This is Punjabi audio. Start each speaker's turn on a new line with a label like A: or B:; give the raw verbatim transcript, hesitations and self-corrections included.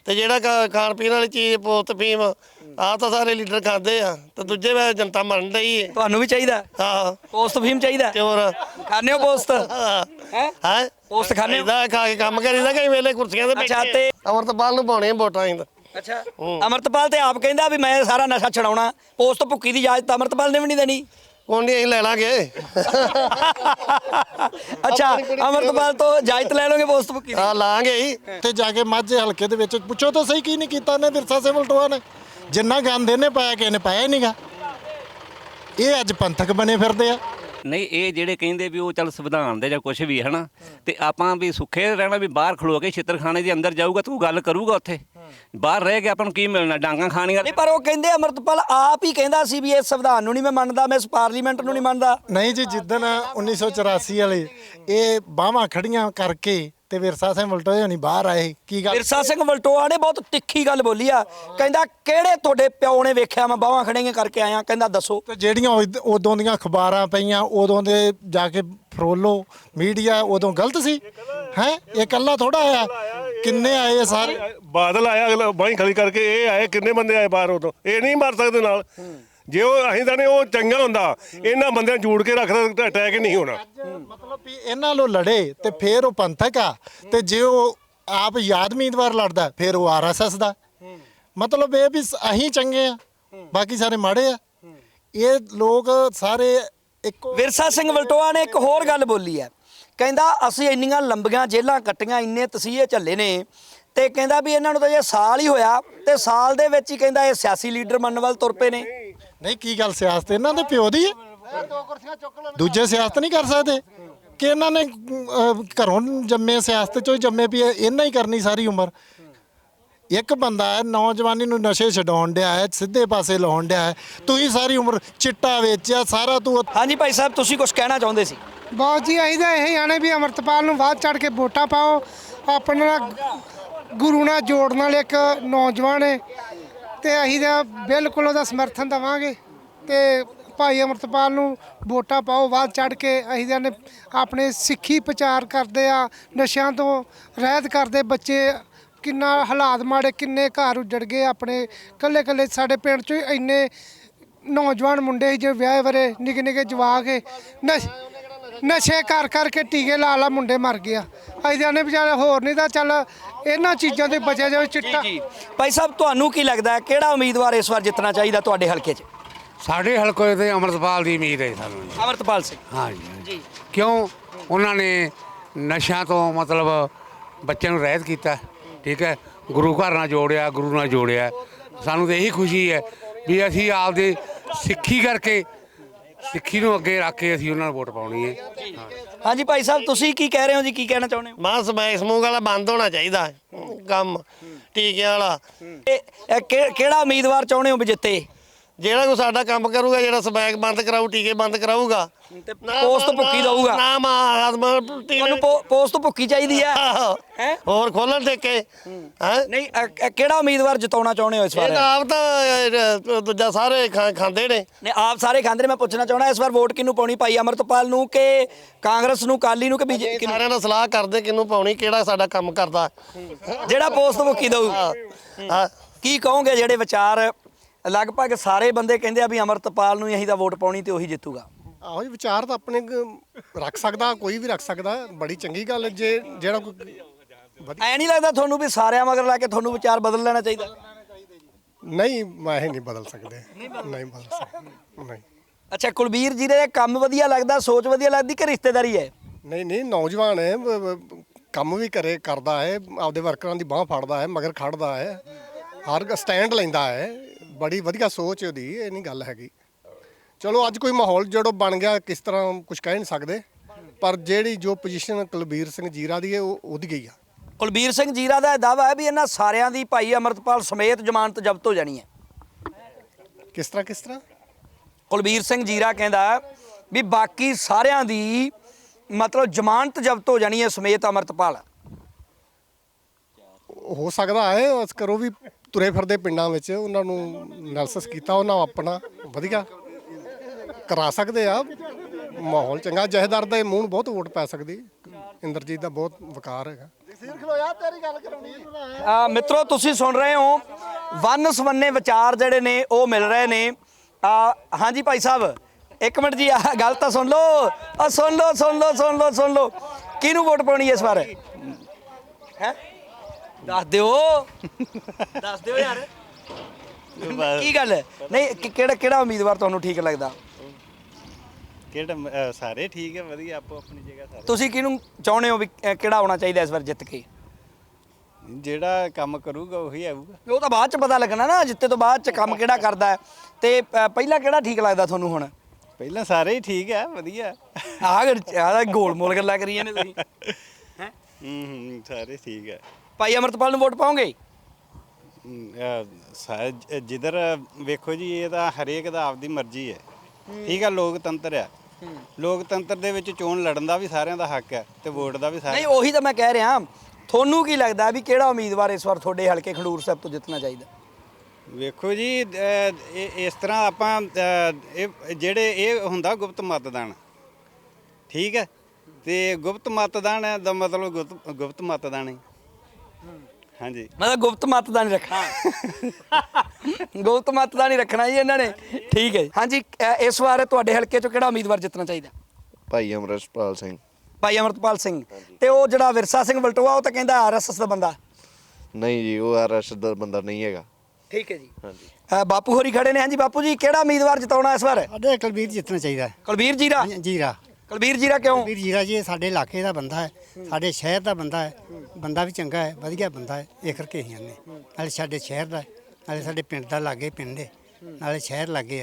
A: ਤੇ ਜਿਹੜਾ ਖਾ- ਖਾਣ ਪੀਣ ਵਾਲੀ ਚੀਜ਼ ਪੋਸਟ ਫੀਮ ਆ ਤਾਂ ਸਾਰੇ ਲੀਡਰ ਖਾਂਦੇ ਆ ਤੇ ਦੂਜੇ ਵੇ ਜਨਤਾ ਮੰਨ ਰਹੀ ਹੈ।
B: ਤੁਹਾਨੂੰ ਵੀ ਚਾਹੀਦਾ
A: ਹਾਂ
B: ਪੋਸਟ ਫੀਮ ਚਾਹੀਦਾ
A: ਤੇ ਹੋਰ
B: ਖਾਣੇ ਹੋ ਪੋਸਟ ਹੈ
A: ਹੈ
B: ਪੋਸਟ ਖਾਣੇ ਹੋ
A: ਇਹਦਾ ਖਾ ਕੇ ਕੰਮ ਕਰੀਦਾ ਕਈ ਵੇਲੇ ਕੁਰਸੀਆਂ ਤੇ
B: ਅੱਛਾ,
A: ਬੈਠੇ
B: ਤੇ-
A: ਅਮਰਤਪਾਲ ਨੂੰ ਪਾਉਣੀਆਂ ਵੋਟਾਂ ਅਸੀਂ ਤਾਂ।
B: ਅੱਛਾ ਅਮਰਤਪਾਲ ਤੇ ਆਪ ਕਹਿੰਦਾ ਵੀ ਮੈਂ ਸਾਰਾ ਨਸ਼ਾ ਛਡਾਉਣਾ ਪੋਸਟ ਭੁੱਕੀ ਦੀ ਇਜਾਜ਼ਤ ਅਮਰਤਪਾਲ ਨੇ ਵੀ ਨਹੀਂ ਦੇਣੀ
A: ਕੋਈ ਨਹੀਂ ਅਸੀਂ ਲੈ ਲਾਂਗੇ
B: ਅੱਛਾ ਅਮਰਤਪਾਲ ਤੋਂ ਇਜਾਜ਼ਤ ਲੈ ਲਓਗੇ ਪੋਸਟ ਭੁੱਕੀ ਦੀ
A: ਆ ਲਾਂਗੇ ਹੀ
C: ਤੇ ਜਾ ਕੇ ਮਾਝੇ ਹਲਕੇ ਦੇ ਵਿੱਚ ਪੁੱਛੋ ਤਾਂ ਸਹੀ ਕੀ ਨਹੀਂ ਕੀਤਾ ਨੇ ਵਿਰਸਾ ਸਿੰਘ ਵਲਟੋਆ ਨੇ। ਜਿੰਨਾ ਗੰਦ ਇਹਨੇ ਪਾਇਆ ਕਿਸੇ ਨੇ ਪਾਇਆ ਹੀ ਨਹੀਂਗਾ। ਇਹ ਅੱਜ ਪੰਥਕ ਬਣੇ ਫਿਰਦੇ ਆ।
D: ਨਹੀਂ ਇਹ ਜਿਹੜੇ ਕਹਿੰਦੇ ਵੀ ਉਹ ਚੱਲ ਸੰਵਿਧਾਨ ਦੇ ਜਾਂ ਕੁਝ ਵੀ ਹੈ ਨਾ ਤੇ ਆਪਾਂ ਵੀ ਸੁੱਖੇ ਰਹਿਣਾ ਵੀ ਬਾਹਰ ਖਲੋ ਕੇ ਛਿੱਤਰਖਾਨੇ ਦੇ ਅੰਦਰ ਜਾਊਗਾ ਤੂੰ ਗੱਲ ਕਰੂਗਾ ਉੱਥੇ ਬਾਹਰ ਰਹਿ ਕੇ ਆਪਾਂ ਨੂੰ ਕੀ ਮਿਲਣਾ ਡਾਂਗਾਂ ਖਾਣੀਆਂ।
B: ਨਹੀਂ ਪਰ ਉਹ ਕਹਿੰਦੇ ਅਮਰਤਪਾਲ ਆਪ ਹੀ ਕਹਿੰਦਾ ਸੀ ਵੀ ਇਸ ਸੰਵਿਧਾਨ ਨੂੰ ਨਹੀਂ ਮੈਂ ਮੰਨਦਾ ਮੈਂ ਇਸ ਪਾਰਲੀਮੈਂਟ ਨੂੰ ਨਹੀਂ ਮੰਨਦਾ।
C: ਨਹੀਂ ਜੀ ਜਿੱਦਣ ਉੱਨੀ ਸੌ ਚੁਰਾਸੀ ਵਾਲੇ ਇਹ ਬਾਹਾਂ ਖੜੀਆਂ ਕਰਕੇ ਤੇ ਵਿਰਸਾ ਸਿੰਘ ਵਲਟੋਆ ਹੋਣੀ ਬਾਹਰ ਆਏ ਕੀ ਗੱਲ
B: ਵਿਰਸਾ ਸਿੰਘ ਵਲਟੋਆ ਨੇ ਬਹੁਤ ਤਿੱਖੀ ਗੱਲ ਬੋਲੀ ਆ ਕਹਿੰਦਾ ਕਿਹੜੇ ਤੁਹਾਡੇ ਪਿਓ ਨੇ ਵੇਖਿਆ ਮੈਂ ਬਾਹਾਂ ਖੜੀਆਂ ਕਰਕੇ ਆਇਆ ਕਹਿੰਦਾ ਦੱਸੋ।
C: ਤੇ ਜਿਹੜੀਆਂ ਉਦ- ਉਦੋਂ ਦੀਆਂ ਅਖਬਾਰਾਂ ਪਈਆਂ ਉਦੋਂ ਦੇ ਜਾ ਕੇ ਫਰੋਲੋ ਮੀਡੀਆ ਉਦੋਂ ਗਲਤ ਸੀ ਹੈ ਇਹ ਇਕੱਲਾ ਥੋੜਾ ਆਇਆ ਕਿੰਨੇ ਆਏ ਆ ਸਾਰੇ।
E: ਬਾਦਲ ਆਇਆ ਅਗਲਾ ਬਾਹੀਂ ਖਲੀ ਕਰਕੇ ਇਹ ਆਏ ਕਿੰਨੇ ਬੰਦੇ ਆਏ ਬਾਹਰ ਉਦੋਂ ਇਹ ਨਹੀਂ ਮਰ ਸਕਦੇ ਨਾਲ ਜੇ ਉਹ ਅਸੀਂ ਤਾਂ ਨਹੀਂ ਉਹ ਚੰਗਾ ਹੁੰਦਾ ਇਹਨਾਂ ਬੰਦਿਆਂ ਜੋੜ ਕੇ ਰੱਖਦਾ ਅਟੈਕ ਹੀ ਨਹੀਂ ਹੋਣਾ।
C: ਮਤਲਬ ਵੀ ਇਹਨਾਂ ਨੂੰ ਲੜੇ ਤੇ ਫਿਰ ਉਹ ਪੰਥਕ ਆ ਤੇ ਜੇ ਉਹ ਆਪ ਯਾਦ ਉਮੀਦਵਾਰ ਲੜਦਾ ਫਿਰ ਉਹ ਆਰਐਸਐਸ ਦਾ ਮਤਲਬ ਇਹ ਵੀ ਅਸੀਂ ਚੰਗੇ ਆ ਬਾਕੀ ਸਾਰੇ ਮਾੜੇ ਆ। ਇਹ ਲੋਕ ਸਾਰੇ ਇੱਕੋ
B: ਵਿਰਸਾ ਸਿੰਘ ਵਲਟੋਆ ਨੇ ਇੱਕ ਹੋਰ ਗੱਲ ਬੋਲੀ ਹੈ ਕਹਿੰਦਾ ਅਸੀਂ ਇੰਨੀਆਂ ਲੰਬੀਆਂ ਜੇਲ੍ਹਾਂ ਕੱਟੀਆਂ ਇੰਨੇ ਤਸੀਹੇ ਝੱਲੇ ਨੇ ਤੇ ਕਹਿੰਦਾ ਵੀ ਇਹਨਾਂ ਨੂੰ ਤਾਂ ਜੇ ਸਾਲ ਹੀ ਹੋਇਆ ਤੇ ਸਾਲ ਦੇ ਵਿੱਚ ਹੀ ਕਹਿੰਦਾ ਇਹ ਸਿਆਸੀ ਲੀਡਰ ਬਣਨ ਵੱਲ ਤੁਰ ਪਏ ਨੇ।
C: ਨਹੀਂ ਕੀ ਗੱਲ ਸਿਆਸਤ ਇਹਨਾਂ ਦੇ ਪਿਓ ਦੀ ਹੈ ਦੂਜੇ ਸਿਆਸਤ ਨਹੀਂ ਕਰ ਸਕਦੇ ਕਿ ਇਹਨਾਂ ਨੇ ਅਹ, ਘਰੋਂ ਜੰਮੇ ਸਿਆਸਤ ਚੋਂ ਹੀ ਜੰਮੇ ਵੀ ਇਹਨਾਂ ਹੀ ਕਰਨੀ ਸਾਰੀ ਉਮਰ। ਇੱਕ ਬੰਦਾ ਹੈ ਨੌਜਵਾਨੀ ਨੂੰ ਨਸ਼ੇ ਛਡਾਉਣ ਡਿਆ ਹੈ ਸਿੱਧੇ ਪਾਸੇ ਲਾਉਣ ਡਿਆ ਹੈ ਤੁਸੀਂ ਸਾਰੀ ਉਮਰ ਚਿੱਟਾ ਵੇਚਿਆ ਸਾਰਾ ਤੂੰ
B: ਹਾਂਜੀ ਭਾਈ ਸਾਹਿਬ ਤੁਸੀਂ ਕੁਝ ਕਹਿਣਾ ਚਾਹੁੰਦੇ ਸੀ।
F: ਬਹੁਤ ਜੀ ਅਸੀਂ ਤਾਂ ਇਹੀ ਆਣੇ ਵੀ ਅਮਰਤਪਾਲ ਨੂੰ ਵੱਧ ਚੜ ਕੇ ਵੋਟਾਂ ਪਾਓ ਆਪਣੇ ਨਾਲ ਗੁਰੂ ਨਾਲ ਜੋੜਨ ਵਾਲੇ ਇੱਕ ਨੌਜਵਾਨ ਹੈ ਤੇ ਅਸੀਂ ਤਾਂ ਬਿਲਕੁਲ ਉਹਦਾ ਸਮਰਥਨ ਦੇਵਾਂਗੇ ਤੇ ਭਾਈ ਅਮਰਤਪਾਲ ਨੂੰ ਵੋਟਾਂ ਪਾਓ ਵੱਧ ਚੜ ਕੇ। ਅਸੀਂ ਤਾਂ ਨੇ ਆਪਣੇ ਸਿੱਖੀ ਪ੍ਰਚਾਰ ਕਰਦੇ ਆ ਨਸ਼ਿਆਂ ਤੋਂ ਰਹਿਤ ਕਰਦੇ ਬੱਚੇ ਕਿੰਨਾ ਹਾਲਾਤ ਮਾੜੇ ਕਿੰਨੇ ਘਰ ਉੱਜੜ ਗਏ ਆਪਣੇ ਕੱਲੇ ਕੱਲੇ ਸਾਡੇ ਪਿੰਡ 'ਚ ਇੰਨੇ ਨੌਜਵਾਨ ਮੁੰਡੇ ਸੀ ਜੋ ਵਿਆਹੇ ਵਰੇ ਨਿੱਕੇ ਨਿੱਕੇ ਜਵਾਕ ਹੈ ਨਸ਼ ਨਸ਼ੇ ਕਰ ਕਰਕੇ ਟੀਕੇ ਲਾ ਲਾ ਮੁੰਡੇ ਮਰ ਗਿਆ। ਅਸੀਂ ਜਾਨੇ ਵਿਚਾਰੇ ਹੋਰ ਨਹੀਂ ਤਾਂ ਚੱਲ ਇਹਨਾਂ ਚੀਜ਼ਾਂ ਤੋਂ ਬਚਿਆ ਜਾਵੇ ਚਿੱਟਾ।
B: ਜੀ ਭਾਈ ਸਾਹਿਬ ਤੁਹਾਨੂੰ ਕੀ ਲੱਗਦਾ ਹੈ ਕਿਹੜਾ ਉਮੀਦਵਾਰ ਇਸ ਵਾਰ ਜਿੱਤਣਾ ਚਾਹੀਦਾ ਤੁਹਾਡੇ ਹਲਕੇ 'ਚ।
G: ਸਾਡੇ ਹਲਕੇ ਤੇ ਅਮਰਤਪਾਲ ਦੀ ਉਮੀਦ ਹੈ ਸਾਨੂੰ ਜੀ।
B: ਅਮਰਤਪਾਲ ਸਿੰਘ
G: ਹਾਂ ਜੀ ਕਿਉਂ ਉਹਨਾਂ ਨੇ ਨਸ਼ਿਆਂ ਤੋਂ ਮਤਲਬ ਬੱਚਿਆਂ ਨੂੰ ਰਹਿਤ ਕੀਤਾ ਠੀਕ ਹੈ ਗੁਰੂ ਘਰ ਨਾਲ ਜੋੜਿਆ ਗੁਰੂ ਨਾਲ ਜੋੜਿਆ ਸਾਨੂੰ ਤਾਂ ਇਹੀ ਖੁਸ਼ੀ ਹੈ ਵੀ ਅਸੀਂ ਆਪਦੇ ਸਿੱਖੀ ਕਰਕੇ ਸਿੱਖੀ ਨੂੰ ਅੱਗੇ ਰੱਖ ਕੇ ਅਸੀਂ ਉਹਨਾਂ ਨੂੰ ਵੋਟ ਪਾਉਣੀ ਹੈ।
B: ਹਾਂਜੀ ਭਾਈ ਸਾਹਿਬ ਤੁਸੀਂ ਕੀ ਕਹਿ ਰਹੇ ਹੋ ਜੀ ਕੀ ਕਹਿਣਾ ਚਾਹੁੰਦੇ ਹੋ।
A: ਮਾਂ ਸਮੈਕ ਸਮੂਕ ਵਾਲਾ ਬੰਦ ਹੋਣਾ ਚਾਹੀਦਾ ਕੰਮ ਟੀਕਿਆਂ ਵਾਲਾ।
B: ਇਹ ਇਹ ਕਿ- ਕਿਹੜਾ ਉਮੀਦਵਾਰ ਚਾਹੁੰਦੇ ਹੋ ਵੀ ਜਿੱਤੇ।
A: ਜਿਹੜਾ ਕੋਈ ਸਾਡਾ ਕੰਮ ਕਰੂਗਾ ਜਿਹੜਾ ਸਮੈਕ ਬੰਦ ਕਰਾਊ ਟੀਕੇ ਬੰਦ ਕਰਾਊਗਾ
B: ਤੇ ਪੋਸਟ ਭੁੱਕੀ ਦਊਗਾ
A: ਨਾ ਮਾਂ
B: ਤੁਹਾਨੂੰ ਪੋ- ਪੋਸਟ ਭੁੱਕੀ ਚਾਹੀਦੀ ਹੈ ਹੈਂ?
A: ਹੋਰ ਖੋਲਣ ਠੇਕੇ ਹੈ
B: ਨਹੀਂ ਅ- ਅ- ਕਿਹੜਾ ਉਮੀਦਵਾਰ ਜਿਤਾਉਣਾ ਚਾਹੁੰਦੇ ਹੋ ਇਸ ਵਾਰ।
A: ਇਹ ਤਾਂ ਆਪ ਤਾਂ ਅਹ, ਦੂਜਾ ਸਾਰੇ ਖਾ- ਖਾਂਦੇ ਨੇ।
B: ਨੇ ਆਪ ਸਾਰੇ ਖਾਂਦੇ ਨੇ ਮੈਂ ਪੁੱਛਣਾ ਚਾਹੁੰਦਾ ਇਸ ਵਾਰ ਵੋਟ ਕਿਹਨੂੰ ਪਾਉਣੀ ਭਾਈ ਅਮਰਤਪਾਲ ਨੂੰ ਕਿ ਕਾਂਗਰਸ ਨੂੰ ਕਾਲੀ ਨੂੰ ਕਿ ਬੀਜੇਪੀ ਨੂੰ।
A: ਸਾਰਿਆਂ ਨਾਲ ਸਲਾਹ ਕਰਦੇ ਕਿਹਨੂੰ ਪਾਉਣੀ ਕਿਹੜਾ ਸਾਡਾ ਕੰਮ ਕਰਦਾ
B: ਜਿਹੜਾ ਪੋਸਟ ਭੁੱਕੀ ਦਊ
A: ਹਾਂ
B: ਕੀ ਕਹੋਗੇ ਜਿਹੜੇ ਵਿਚਾਰ ਲਗਭਗ ਸਾਰੇ ਬੰਦੇ ਕਹਿੰਦੇ ਆ ਵੀ ਅਮਰਤਪਾਲ ਨੂੰ ਹੀ ਅਸੀਂ ਤਾਂ ਵੋਟ ਪਾਉਣੀ ਤੇ ਉਹੀ ਜਿੱਤੂਗਾ।
C: ਆਹੋ ਜੀ ਵਿਚਾਰ ਤਾਂ ਆਪਣੇ ਕ- ਰੱਖ ਸਕਦਾ ਕੋਈ ਵੀ ਰੱਖ ਸਕਦਾ ਬੜੀ ਚੰਗੀ ਗੱਲ ਹੈ ਜੇ ਜਿਹੜਾ ਕੋਈ
B: ਐ ਨਹੀਂ ਲੱਗਦਾ ਤੁਹਾਨੂੰ ਵੀ ਸਾਰਿਆਂ ਮਗਰ ਲਾ ਕੇ ਤੁਹਾਨੂੰ ਵਿਚਾਰ ਬਦਲ ਲੈਣਾ ਚਾਹੀਦਾ।
C: ਨਹੀਂ ਮੈਂ ਇਹ ਨਹੀਂ ਬਦਲ ਸਕਦੇ ਨਹੀਂ ਬਦਲ ਸਕਦੇ ਨਹੀਂ
B: ਅੱਛਾ ਕੁਲਬੀਰ ਜੀ ਦੇ ਕੰਮ ਵਧੀਆ ਲੱਗਦਾ ਸੋਚ ਵਧੀਆ ਲੱਗਦੀ ਕਿ ਰਿਸ਼ਤੇਦਾਰੀ ਹੈ।
C: ਨਹੀਂ ਨਹੀਂ ਨੌਜਵਾਨ ਹੈ ਬ- ਬ- ਕੰਮ ਵੀ ਕਰੇ ਕਰਦਾ ਹੈ ਆਪਦੇ ਵਰਕਰਾਂ ਦੀ ਬਾਹ ਫੜਦਾ ਹੈ ਮਗਰ ਖੜਦਾ ਹੈ ਹਰ ਸਟੈਂਡ ਲੈਂਦਾ ਹੈ ਬੜੀ ਵਧੀਆ ਸੋਚ ਉਹਦੀ ਇਹ ਨਹੀਂ ਗੱਲ ਹੈਗੀ। ਚਲੋ ਅੱਜ ਕੋਈ ਮਾਹੌਲ ਜਿਹੜਾ ਬਣ ਗਿਆ ਕਿਸ ਤਰ੍ਹਾਂ ਕੁਝ ਕਹਿ ਨਹੀਂ ਸਕਦੇ ਪਰ ਜਿਹੜੀ ਜੋ ਪੋਜੀਸ਼ਨ ਕੁਲਬੀਰ ਸਿੰਘ ਜੀਰਾ ਦੀ ਹੈ ਉਹ ਉਹਦੀ ਗਈ ਆ।
B: ਕੁਲਬੀਰ ਸਿੰਘ ਜੀਰਾ ਦਾ ਇਹ ਦਾਅਵਾ ਹੈ ਵੀ ਇਹਨਾਂ ਸਾਰਿਆਂ ਦੀ ਭਾਈ ਅਮਰਤਪਾਲ ਸਮੇਤ ਜ਼ਮਾਨਤ ਜ਼ਬਤ ਹੋ ਜਾਣੀ ਹੈ।
C: ਕਿਸ ਤਰ੍ਹਾਂ ਕਿਸ ਤਰ੍ਹਾਂ
B: ਕੁਲਬੀਰ ਸਿੰਘ ਜੀਰਾ ਕਹਿੰਦਾ ਵੀ ਬਾਕੀ ਸਾਰਿਆਂ ਦੀ ਮਤਲਬ ਜ਼ਮਾਨਤ ਜ਼ਬਤ ਹੋ ਜਾਣੀ ਹੈ ਸਮੇਤ ਅਮਰਤਪਾਲ।
C: ਹੋ ਸਕਦਾ ਹੈ ਉਸ ਕਰੋ ਵੀ ਤੁਰੇ ਫਿਰਦੇ ਪਿੰਡਾਂ ਵਿੱਚ ਉਹਨਾਂ ਨੂੰ ਐਨਾਲਿਸਿਸ ਕੀਤਾ ਉਹਨਾਂ ਆਪਣਾ ਵਧੀਆ ਕਰਾ ਸਕਦੇ ਆ ਮਾਹੌਲ ਚੰਗਾ ਜਹੇਦਾਰ ਦੇ ਮੂੰਹ ਨੂੰ ਬਹੁਤ ਵੋਟ ਪੈ ਸਕਦੀ ਇੰਦਰਜੀਤ ਦਾ ਬਹੁਤ ਵਕਾਰ ਹੈਗਾ। ਖਲੋਇਆ ਤੇਰੀ ਗੱਲ ਕਰਾਉਣੀ
B: ਆ ਮਿੱਤਰੋ ਤੁਸੀਂ ਸੁਣ ਰਹੇ ਹੋ ਵੰਨ ਸਵੰਨੇ ਵਿਚਾਰ ਜਿਹੜੇ ਨੇ ਉਹ ਮਿਲ ਰਹੇ ਨੇ ਆ ਹਾਂਜੀ ਭਾਈ ਸਾਹਿਬ ਇੱਕ ਮਿੰਟ ਜੀ ਆ ਗੱਲ ਤਾਂ ਸੁਣ ਲਓ ਆ ਸੁਣ ਲਓ ਸੁਣ ਲਓ ਸੁਣ ਲਓ ਸੁਣ ਲਓ ਕਿਹਨੂੰ ਵੋਟ ਪਾਉਣੀ ਇਸ ਵਾਰ ਹੈ ਦੱਸ ਦਿਓ ਦੱਸ ਦਿਓ ਯਾਰ ਕੀ ਗੱਲ ਹੈ? ਨਹੀਂ ਕਿ- ਕਿਹੜਾ ਕਿਹੜਾ ਉਮੀਦਵਾਰ ਤੁਹਾਨੂੰ ਠੀਕ ਲੱਗਦਾ
H: ਕਿਹੜਾ ਅ, ਸਾਰੇ ਠੀਕ ਹੈ ਵਧੀਆ ਆਪੋ ਆਪਣੀ ਜਗ੍ਹਾ ਸਾਰੇ
B: ਤੁਸੀਂ ਕਿਹਨੂੰ ਚਾਹੁੰਦੇ ਹੋ ਵੀ ਅ, ਕਿਹੜਾ ਆਉਣਾ ਚਾਹੀਦਾ ਇਸ ਵਾਰ ਜਿੱਤ ਕੇ
H: ਜਿਹੜਾ ਕੰਮ ਕਰੂਗਾ ਉਹੀ ਆਊਗਾ
B: ਉਹ ਤਾਂ ਬਾਅਦ ਚ ਪਤਾ ਲੱਗਣਾ ਨਾ ਜਿੱਤੇ ਤੋਂ ਬਾਅਦ ਚ ਕੰਮ ਕਿਹੜਾ ਕਰਦਾ ਹੈ ਤੇ ਅ, ਪਹਿਲਾਂ ਕਿਹੜਾ ਠੀਕ ਲੱਗਦਾ ਤੁਹਾਨੂੰ ਹੁਣ
H: ਪਹਿਲਾਂ ਸਾਰੇ ਹੀ ਠੀਕ ਹੈ ਵਧੀਆ
B: ਆਹ ਆਹ ਗੋਲ ਮੋਲ ਗੱਲਾਂ ਕਰੀਆਂ ਨੇ ਤੁਸੀਂ ਹੈ
H: ਹੂੰ ਹੂੰ ਸਾਰੇ ਠੀਕ ਹੈ
B: ਭਾਈ ਅਮਰਤਪਾਲ ਨੂੰ ਵੋਟ ਪਾਓਗੇ
H: ਹਮ, ਅ, ਸਾ- ਜ- ਜਿੱਧਰ ਵੇਖੋ ਜੀ ਇਹ ਤਾਂ ਹਰੇਕ ਦਾ ਆਪਦੀ ਮਰਜ਼ੀ ਹੈ ਠੀਕ ਹੈ ਲੋਕਤੰਤਰ ਹੈ ਲੋਕਤੰਤਰ ਦੇ ਵਿੱਚ ਚੋਣ ਲੜਨ ਦਾ ਵੀ ਸਾਰਿਆਂ ਦਾ ਹੱਕ ਹੈ ਤੇ ਵੋਟ ਦਾ ਵੀ ਸਾਰਿਆਂ
B: ਨਹੀਂ ਉਹੀ ਤਾਂ ਮੈਂ ਕਹਿ ਰਿਹਾ ਤੁਹਾਨੂੰ ਕੀ ਲੱਗਦਾ ਵੀ ਕਿਹੜਾ ਉਮੀਦਵਾਰ ਇਸ ਵਾਰ ਤੁਹਾਡੇ ਹਲਕੇ ਖਡੂਰ ਸਾਹਿਬ ਤੋਂ ਜਿੱਤਣਾ ਚਾਹੀਦਾ
H: ਵੇਖੋ ਜੀ ਅ, ਇਹ ਇਸ ਤਰ੍ਹਾਂ ਆਪਾਂ ਅ, ਇਹ ਜਿਹੜੇ ਇਹ ਹੁੰਦਾ ਗੁਪਤ ਮਤਦਾਨ ਠੀਕ ਹੈ ਤੇ ਗੁਪਤ ਮਤਦਾਨ ਦਾ ਮਤਲਬ ਗੁਪਤ ਗੁਪਤ ਮਤਦਾਨ ਹੈ ਹਾਂਜੀ
B: ਮਤਲਬ ਗੁਪਤ ਮਤ ਦਾ ਨਹੀਂ ਰੱਖਣਾ ਗੁਪਤ ਮਤ ਦਾ ਨਹੀਂ ਰੱਖਣਾ ਜੀ ਇਹਨਾਂ ਨੇ ਠੀਕ ਹੈ ਜੀ। ਹਾਂਜੀ ਅ, ਇਸ ਵਾਰ ਤੁਹਾਡੇ ਹਲਕੇ ਚੋਂ ਕਿਹੜਾ ਉਮੀਦਵਾਰ ਜਿੱਤਣਾ ਚਾਹੀਦਾ
I: ਭਾਈ ਅਮਰਪਾਲ ਸਿੰਘ
B: ਭਾਈ ਅਮਰਤਪਾਲ ਸਿੰਘ ਤੇ ਉਹ ਜਿਹੜਾ ਵਿਰਸਾ ਸਿੰਘ ਵਲਟੋਆ ਉਹ ਤਾਂ ਕਹਿੰਦਾ ਆਰਐਸਐਸ ਦਾ ਬੰਦਾ
I: ਨਹੀਂ ਜੀ ਉਹ ਆਰਐਸ ਦਾ ਬੰਦਾ ਨਹੀਂ ਹੈਗਾ
B: ਠੀਕ ਹੈ ਜੀ
I: ਹਾਂਜੀ
B: ਅ, ਬਾਪੂ ਹੋਰੀ ਖੜੇ ਨੇ ਹਾਂਜੀ ਬਾਪੂ ਜੀ ਕਿਹੜਾ ਉਮੀਦਵਾਰ ਜਿਤਾਉਣਾ ਇਸ ਵਾਰ
J: ਸਾਡੇ ਕੁਲਬੀਰ ਜਿੱਤਣਾ ਚਾਹੀਦਾ
B: ਕੁਲਬੀਰ ਜੀਰਾ
J: ਜੀਰਾ
B: ਕੁਲਬੀਰ ਜੀਰਾ ਕਿਉਂ
J: ਕੁਲਬੀਰ ਜੀਰਾ ਜੀ ਇਹ ਸਾਡੇ ਇਲਾਕੇ ਦਾ ਬੰਦਾ ਹੈ ਸਾਡੇ ਸ਼ਹਿਰ ਦਾ ਬੰਦਾ ਹੈ ਬੰਦਾ ਵੀ ਚੰਗਾ ਹੈ ਵਧੀਆ ਬੰਦਾ ਹੈ ਇਹ ਕਰਕੇ ਹੀ ਆਨੇ ਨਾਲੇ ਸਾਡੇ ਸ਼ਹਿਰ ਦਾ ਨਾਲੇ ਸਾਡੇ ਪਿੰਡ ਦਾ ਲਾਗੇ ਪਿੰਡ ਹੈ ਨਾਲੇ ਸ਼ਹਿਰ ਲਾਗੇ